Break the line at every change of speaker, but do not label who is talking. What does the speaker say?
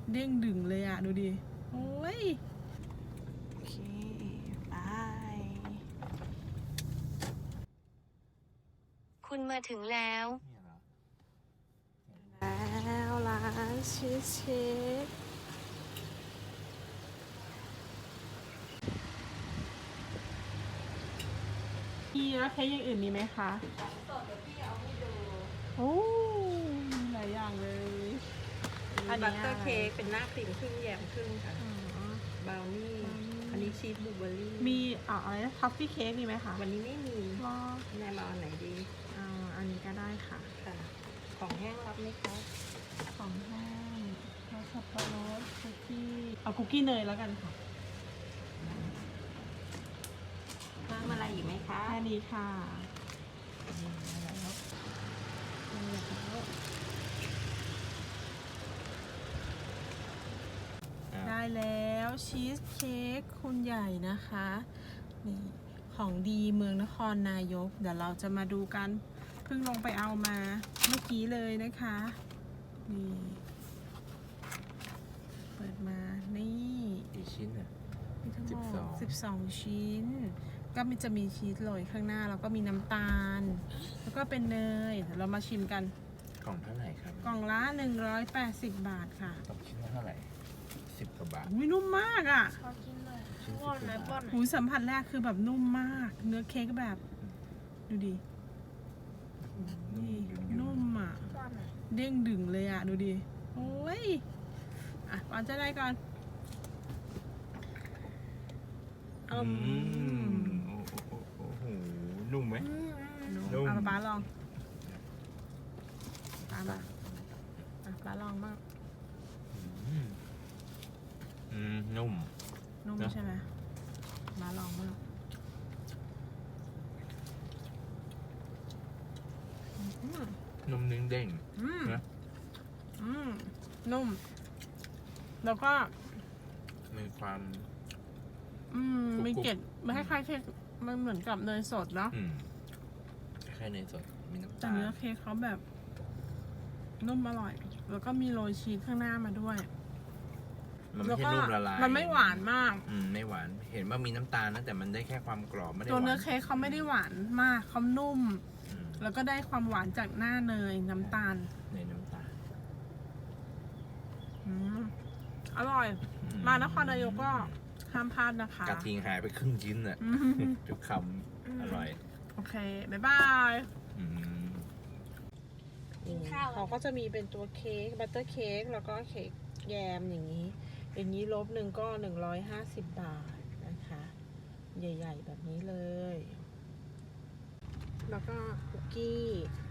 เด้งดึงเลยอ่ะดูดิโอ้ยโอเคไป
คุณมาถึงแล้ว
แล้วร้านชีสเค้กมีแล้วเค้กอย่างอื่นมีไหมคะสดเดี๋ยวพี่เอาให้ดูโอ้มีหลายอย่างเลย
อันนี้บัตเตอร์เค้กเป็นหน้าครีมครึ่งแยมครึ่งค่ะบราวนี่อันนี้ชีสบลูเบอร์รี่
มีอะไรนะทัฟฟี่เค้กมีไหมคะ
วันนี้ไม่มี
รอ
แนายมาอันไหนดี
อันนี้ก็ได้ค่ะ
ค่ะของแห้งรับไหมคะ
ของแห้งแล้วสับปะรดคุกกี้เอาคุกกี้เนยแล้วกันค่ะ
เพิ่มอะไรอีกไหมคะ
แค่นี้ค่ะได้แล้วชีสเค้กคุณใหญ่นะคะนี่ของดีเมืองนครนายกเดี๋ยวเราจะมาดูกันเพิ่งลงไปเอามาเมื่อกี้เลยนะคะนี่เปิดมานี่
กี่ชิ้นอ่ะ
มีทั้งหมด12 ชิ้นก็จะมีชีสโรยข้างหน้าแล้วก็มีน้ำตาลแล้วก็เป็นเนยเดี๋ยวเรามาชิมกัน
กล่องเท่าไหร่ครับ
กล่องละ180 บาทค่ะ
ตกชิ้นละเท่าไหร่10 กว่าบาท
อุ้ยนุ่มมากอ่ะ
ชิ้น10 กว่าบาท
หูสัมผัสแรกคือแบบนุ่มมากเนื้อเค้กแบบดูดินุ่มอ่ะเด้งดึงเลยอ่ะดูดิโอ้ยก่อนจะได้ก่อน
โอ้โหนุ่มไหม
นุ่มเอาป้าลองป้ามาป้าลองบ้าง
นุ่ม
ใช่ไหมป้าลองบ้าง
นุ่มเด้งนะ
นุ่มแล้วก็
มีความ
มีเกล็ดมันคล้ายๆเค้กมันเหมือนกับเนยสดเนาะ
คล้ายๆเนยสดมีน้ำตาล
แต่เนื้อเค้กเขาแบบนุ่มอร่อยแล้วก็มีโรยชีสข้างหน้ามาด้วย
มันไม่ใช่นุ่มละลาย
มันไม่หวานมาก
ไม่หวานเห็นว่ามีน้ำตาลนะแต่มันได้แค่ความกรอบไม่ได้
ตัวเนื้อเค้กเขาไม่ได้หวานมากเขานุ่มแล้วก็ได้ความหวานจากหน้าเนยน้ำตาลอร่อยมานครนายกก็ห้ามพลาดนะคะ
กระทิงหายไปครึ่งชิ้นอ่ะทุกคำอร่อย
โอเคบ๊ายบายเขาก็จะมีเป็นตัวเค้กบัตเตอร์เค้กแล้วก็เค้กแยมอย่างนี้ลบหนึ่งก็150 บาทนะคะใหญ่ๆแบบนี้เลยแล้วก็คุกกี้